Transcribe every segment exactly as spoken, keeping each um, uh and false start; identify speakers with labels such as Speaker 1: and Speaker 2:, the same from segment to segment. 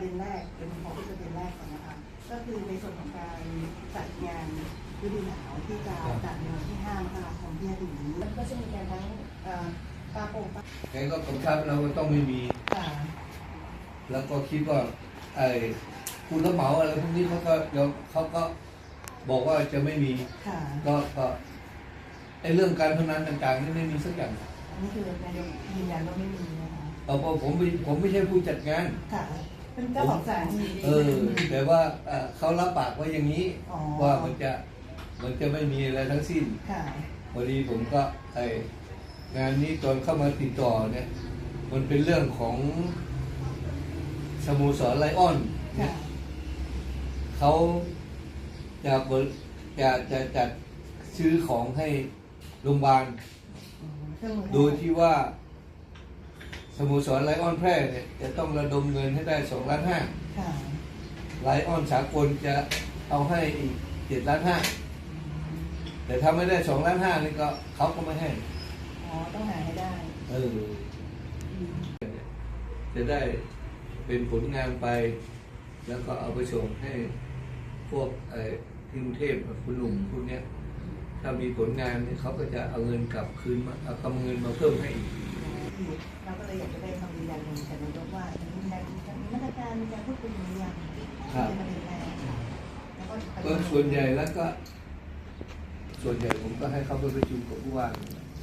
Speaker 1: ประเด็นแรกเป็นของประเด็นแรกก่อนนะคะก็คือในส่วนของการจัดงานฤดูหนาวที่จะจัดในวันที่ห้ามกราคมที่จะถึงนี้มันก็จะมีการทั้งปลาโป่งปลา
Speaker 2: แกก็กำชับเราก็ต้องไม่มีแล้วก็คิดว่าไอ้ผู้รับเหมาอะไรพวกนี้เขาก็เดี๋ยวเขาก็บอกว่าจะไม่มีก็ก็ไอ้เรื่องการพนันต่างๆนี่ไม่มีสักอย่าง
Speaker 1: นี่คือนายกยืนยันว่าไม่มีนะคะ
Speaker 2: เออผมผมไม่ใช่ผู้จัดงาน
Speaker 1: ค่ะเป็นเจ้าของสถานที่
Speaker 2: เออแต่ว่าเขารับปากไว้อย่างนี้ว่ามันจะมันจะไม่มีอะไรทั้งสิ้นพอดีผมก็ไองานนี้ตอนเข้ามาติดต่อเนี่ยมันเป็นเรื่องของสโมสรไลออนเขาจะจะจะจัดซื้อของให้โรงพยาบาลโดยที่ว่าสโมสรไลออนแพร่เนี่ยจะต้องระดมเงินให้ได้สองล้านห้าไลออนสากลจะเอาให้อีกเจ็ดล้านห้าแต่ถ้าไม่ได้สองล้านห้านี่ก็เขาก็ไม่ให้
Speaker 1: อ๋อต้องหาให้ได้
Speaker 2: เออจะได้เป็นผลงานไปแล้วก็เอาไปส่งให้พวกไอ้ที่กรุงเทพคุณหนุ่มพวกเนี้ยถ้ามีผลงานเนี่ยเขาก็จะเอาเงินกลับคืนมาเอาคำเงินมาเพิ่มให้อีก
Speaker 1: เราก็เลยอยากจะได้คำยืนยันจากนายกว่ามีการมีมาตรการมีการพูดคุยอย่างไรเป็นประเด็นแรก
Speaker 2: ก็ส่วนใหญ่แล้วก็ส่วนใหญ่ผมก็ให้เขาไปประชุมกับผู้ว่า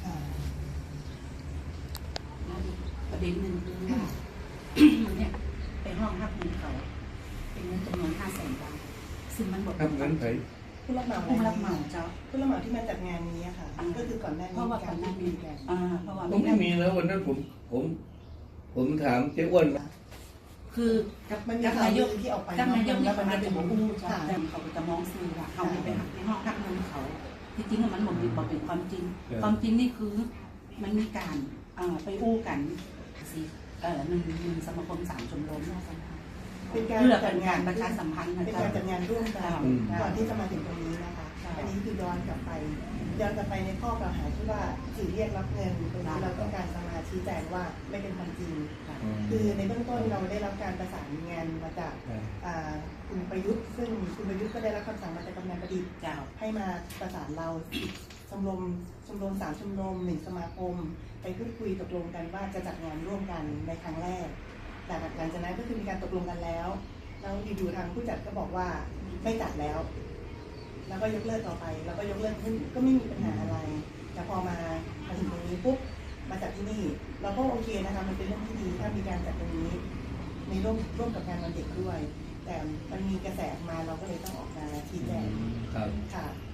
Speaker 3: ประเด็นหนึ่งคือว่าเนี่ยไปห้องรับเงินเขาเป็นเงินจำนวนห้าแสนบาทซึ่งมันบอก
Speaker 2: รับเงินไป
Speaker 1: ผู้รับเหมา
Speaker 3: ผู้รับเหมาเจ้า
Speaker 1: ผู้รับเหมาที่มาจัดงานนี้ค่ะก็คือก่อนหน้านี้
Speaker 3: เพราะว่าก่อนหน้านี้กันอ่าเพราะว่า
Speaker 2: ไม่มีแล้ววันนั้นผมผมผมถามเจ้อ้วน
Speaker 3: คือกับนายกที่ออกไปกับนายกที่เขาจะบอกอู้จ้าแต่เขาจะมองซื้อว่าเขาไปหักในห้องรับเงินเขาที่จริงมันหมดบอกเป็นความจริงความจริงนี่คือมันมีการไปอู้กันสิเอ่อหนึ่งหนึ่งสมาคมสามชมรมน่าสัมพันธ์
Speaker 1: เป็นการ
Speaker 3: เพื่อเป็นการประชาสัมพันธ์
Speaker 1: เป็นการจัดงานร่วมกันก่อนที่จะมาถึงตรงนี้นะคะอันนี้คือย้อนกลับไปย้อนกลับไปในข้อกล่าวหาที่ว่าสื่อเรียกรับเงินตรงนี้เราต้องการจะมาชี้แจงว่าไม่เป็นความจริงคือในเบื้องต้นเราได้รับการประสานงานมาจากคุณประยุทธ์ซึ่งคุณประยุทธ์ก็ได้รับคำสั่งมาจากกำนันประดิษฐ์ให้มาประสานเราชมรมชมรมสามชมรมหนึ่งสมาคมไปพูดคุยตกลงกันว่าจะจัดงานร่วมกันในครั้งแรกแต่หลังจากนั้นก็คือมีการตกลงกันแล้วแล้วอยู่ๆทางผู้จัดก็บอกว่าไม่จัดแล้วแล้วก็ยกเลิกต่อไปแล้วก็ยกเลิกก็ไม่มีปัญหาอะไรแต่พอมามาถึงตรงนี้ปุ๊บมาจัดที่นี่เราก็โอเคนะคะมันเป็นเรื่องที่ดีถ้ามีการจัดตรงนี้ในร่วมร่วมกับงานวันเด็กด้วยแต่มันมีกระแสมาเราก็เลยต้องออกมาชี้แจงค่ะ